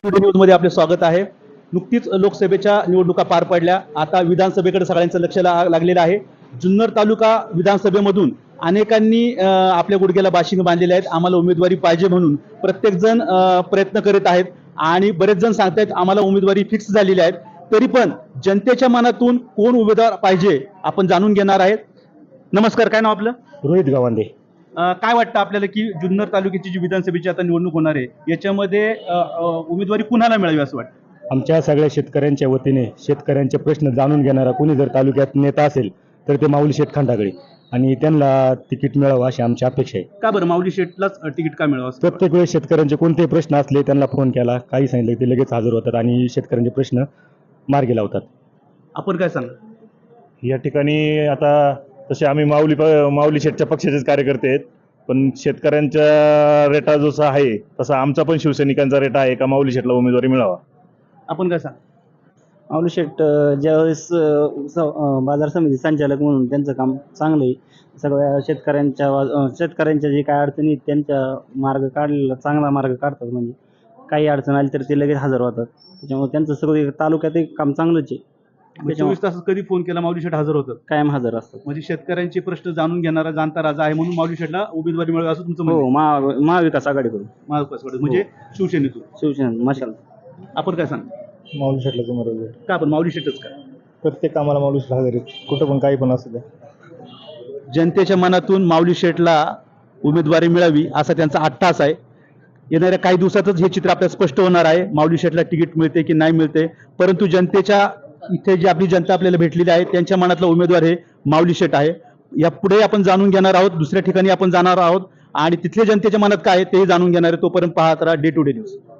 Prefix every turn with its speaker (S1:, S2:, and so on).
S1: Today न्यूजमध्ये आपले स्वागत आहे. नुकतीच लोकसभेच्या निवडणुका पार पडल्या. आता विधानसभेकडे सगळ्यांचं लक्ष लागलेलं आहे. जुन्नर तालुका विधानसभेमधून अनेकांनी आपल्या गुडघ्याला बाशिंग बांधलेले आहेत. आम्हाला उमेदवारी पाहिजे म्हणून प्रत्येक जण प्रयत्न करीत आहेत आणि बरेच जण सांगतायत आम्हाला उमेदवारी फिक्स झालेली आहे. तरी पण जनतेच्या मनातून कोण उमेदवार पाहिजे आपण जाणून घेणार आहेत. नमस्कार, काय नाव आपलं?
S2: रोहित गावंडे.
S1: काय वाटतं आपल्याला की जुन्नर तालुक्याची जी विधानसभेची आता निवडणूक होणार आहे याच्यामध्ये उमेदवारी कुणाला मिळावी असं वाटतं?
S2: आमच्या सगळ्या शेतकऱ्यांच्या वतीने शेतकऱ्यांचे प्रश्न जाणून घेणारा कोणी जर तालुक्यात नेता असेल तर ते माऊली शेठ खंडागळे आणि त्यांना तिकीट मिळावं अशी आमची अपेक्षा आहे.
S1: का बरं माऊली शेठलाच तिकीट का मिळावं असं वाटतं?
S2: प्रत्येक वेळेस शेतकऱ्यांचे कोणतेही प्रश्न असले त्यांना फोन केला, काही सांगितलं ते लगेच हजर होतात आणि शेतकऱ्यांचे प्रश्न मार्गी लावतात.
S1: आपण काय सांगा?
S3: या ठिकाणी आता तसे आम्ही माऊली शेठच्या पक्षाचेच कार्यकर्ते आहेत, पण शेतकऱ्यांच्या रेटा जसा आहे तसा आमचा पण शिवसैनिकांचा रेटा आहे का माऊली शेठला उमेदवारी मिळावा.
S1: आपण काय सांगा?
S4: माऊली शेठ ज्यावेळेस बाजार समिती संचालक म्हणून त्यांचं काम चांगलं आहे. सगळ्या शेतकऱ्यांच्या जे काय अडचणी आहेत त्यांच्या मार्ग काढलेला चांगला मार्ग काढतात. म्हणजे काही अडचण आली तर ते लगेच हजर होतात. त्याच्यामुळे त्यांचं सगळं तालुक्यात एक काम चांगलंच आहे.
S1: 24 तासात कधी फोन केला माऊली शेठ हजर होतात.
S4: कायम हजर असतात.
S1: म्हणजे शेतकऱ्यांचे प्रश्न जाणून घेणारा जाणता राजा आहे म्हणून माऊली शेठला उमेदवारी मिळावी असं तुमचं म्हणणं
S4: हो,
S1: आहे?
S4: महाविकास आघाडीकडून,
S1: महाविकासकडे म्हणजे शिवसेनेतून.
S4: शिवसेना मशाल.
S1: आपण काय सांगा?
S2: माऊली शेठला उमेदवारी
S1: का आपण माऊली शेठच का?
S2: प्रत्येक कामाला माऊली शेठ हजर आहेत, कुठं पण काही पण असू द्या.
S1: जनतेच्या मनातून माऊली शेठला उमेदवारी मिळावी असा त्यांचा अट्टास आहे. येणाऱ्या काही दिवसातच हे चित्र आपल्याला स्पष्ट होणार आहे. माऊली शेठला तिकीट मिळते की नाही मिळते, परंतु जनतेच्या इथे जी आपली जनता आपल्याला भेटलेली आहे त्यांच्या मनातला उमेदवार हे माऊली शेठ आहे. यापुढे आपण जाणून घेणार आहोत, दुसऱ्या ठिकाणी आपण जाणार आहोत आणि तिथल्या जनतेच्या मनात काय आहे तेही जाणून घेणार आहे. तोपर्यंत पाहत राहा डे टू डे न्यूज.